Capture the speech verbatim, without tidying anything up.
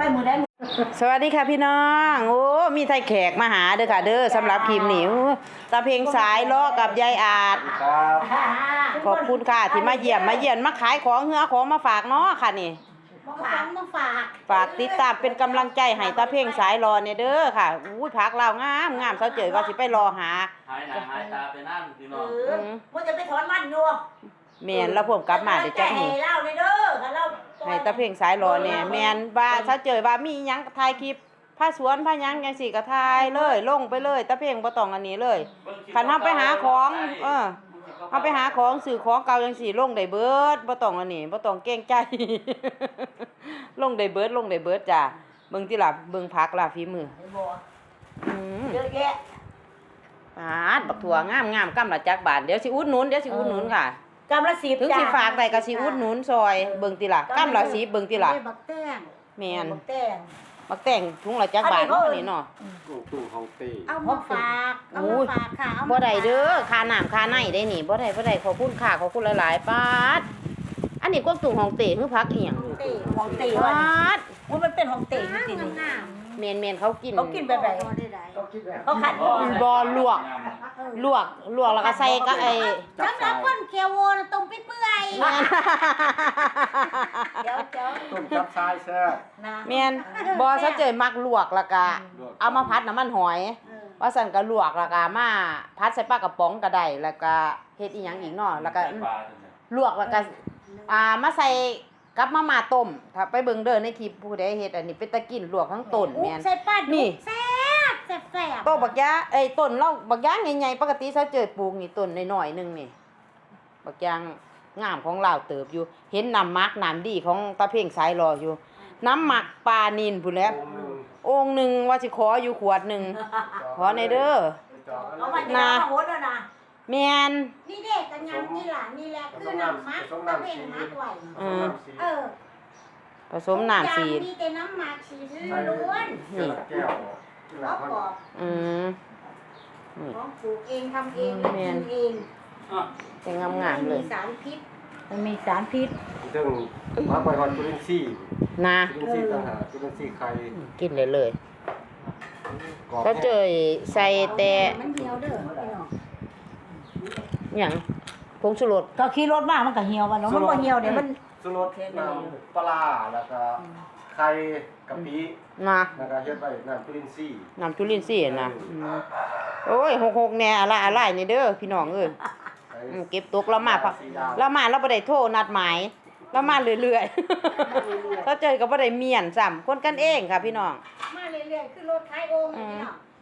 มือได้สวัสดีค่ะพี่น้องโอ้มีไทยแขกมาหาเด้อค่ะเด้อสำหรับคลิปนี้ตาเพลงสายล้อกับยายอาจครับขอบคุณค่ะที่มาเยี่ยมมาเยี่ยมมาขายของเฮือของมาฝากเนาะค่ะนี่มาฝากมาฝากฝากติดตามเป็นกำลังใจให้ตาเพลงสายรอเนี่ยเด้อค่ะอุ้ยผักลาวงามงามเซาเจยว่าสิไปรอหาหายหน้าหายตาไปนั่นพี่น้องมันจะไปถอนมันอยู่แม่นแล้วผมกลับมาเดี๋ยวจักมื้อให้เล่าเลยเด้อเล่าให้ตาเพลงสายรอเนี่ยแม่นว่าเซาเจยว่ามีหยังถ่ายคลิปผ้าสวนผ้าหยังจังซี่ก็ถ่ายเลยลงไปเลยตาเพลงบ่ต้องอันนี้เลยคันเฮาไปหาของเออเฮาไปหาของซื้อของเก่าจังซี่ลงได้เบิดบ่ต้องอันนี้บ่ต้องเกรงใจลงได้เบิดลงได้เบิดจ้ะเบิ่งติล่ะเบิ่งผักล่ะฝีมืออืมเยอะแยะปาดบักถั่วงามๆกำละจักบาทเดี๋ยวสิอุดหนุนเดี๋ยวสิอุดหนุนค่ะกำละสิบถึงสิฝากได้ก็สิอุดหนุนซอยเบิ่งติล่ะกำละสิบเบิ่งติล่ะบักแต้งแม่นบักแต้งบักแต่งถุงละจักบาทเนาะนี่เนาะตู้ของตีเอามาฝากเอามาฝากค่ะบ่ได้เด้อค่าน้ำค่าในได้นี่บ่ได้บ่ได้ขอบคุณค่ะขอบคุณหลายๆปาดอันนี้กวางตุ้งของเต๋คือพักอีหยังเต๋ของเต๋ปาดอุ้ยมันเป็นของเต๋จริงๆแม่นๆเขากินเขากินแบบไหนเขาขัดคอบ่ลวกลวกลวกแล้วก็ใส่ก็ไอ้สำหรับคนเคียวโวต้มเปื่อยเดี๋ยวเดี๋ยวต้มจับทรายแซ่บแม่นบ่ซะเจยมักลวกแล้วก็เอามาผัดน้ำมันหอยว่าสั่นก็ลวกแล้วก็มาผัดใส่ปลากระป๋องก็ได้แล้วก็เฮ็ดอีหยังอีกเนาะแล้วก็ลวกแล้วก็อ่ามาใส่กับมาม่าต้มถ้าไปเบิ่งเด้อในคลิปผู้ใดเฮ็ดอันนี้เป็นตะกินลวกทั้งต้นแม่นใส่ปลาดุกแซ่บแซ่บโตบักยะเอ้ยต้นเราบักยางใหญ่ๆปกติซะเจอปลูกนี่ต้นน้อยๆนึงนี่บักยางงามของลาวเติบอยู่เห็นน้ำมักน้ำดีของตาเพ่งสายรออยู่น้ำหมักปลานิลพุ่นแหล้วองค์นึงว่าสิขออยู่ขวดนึงขอในเด้อนะโหดแล้วนะแม่นนี่เด็กกันยังนี่ล่ะนี่แหละคือน้ำมักตะเพ่งมักไว้เออผสมน้ำสีมีแต่น้ำหมักสีล้วนนี่แก้วเขาปอกอืมของปลูกเองทำเองกินเองจะงามๆเลยมีสารพิษมันมีสารพิษเรื่องมาไปฮอดจุลินทรีย์นะจุลินทรีย์ต่างหากจุลินทรีย์ไข่กินเลยเลยก็เจอใส่แต่มันเหี่ยวเด้อพี่น้องหยังผงชูรสก็ขี่รถมามันก็เหี่ยวว่าเนาะมันบ่เหี่ยวเดี๋ยวมันชูรสน้ำปลาแล้วก็ไข่กะปินะแล้วก็เฮ็ดไว้น้ำจุลินทรีย์น้ำจุลินทรีย์นะโอ้ยหกๆแน่อะไรอะไรนี่เด้อพี่น้องเอ้ยเก็บตกแล้วมาแล้วมาเราบ่ได้โทรนัดหมายแล้วมาเรื่อยๆถ้าเจอก็บ่ได้เมียนซ้ำคนกันเองค่ะพี่น้องมาเรื่อยๆคือรถท้ายโอ่งพี่น้อง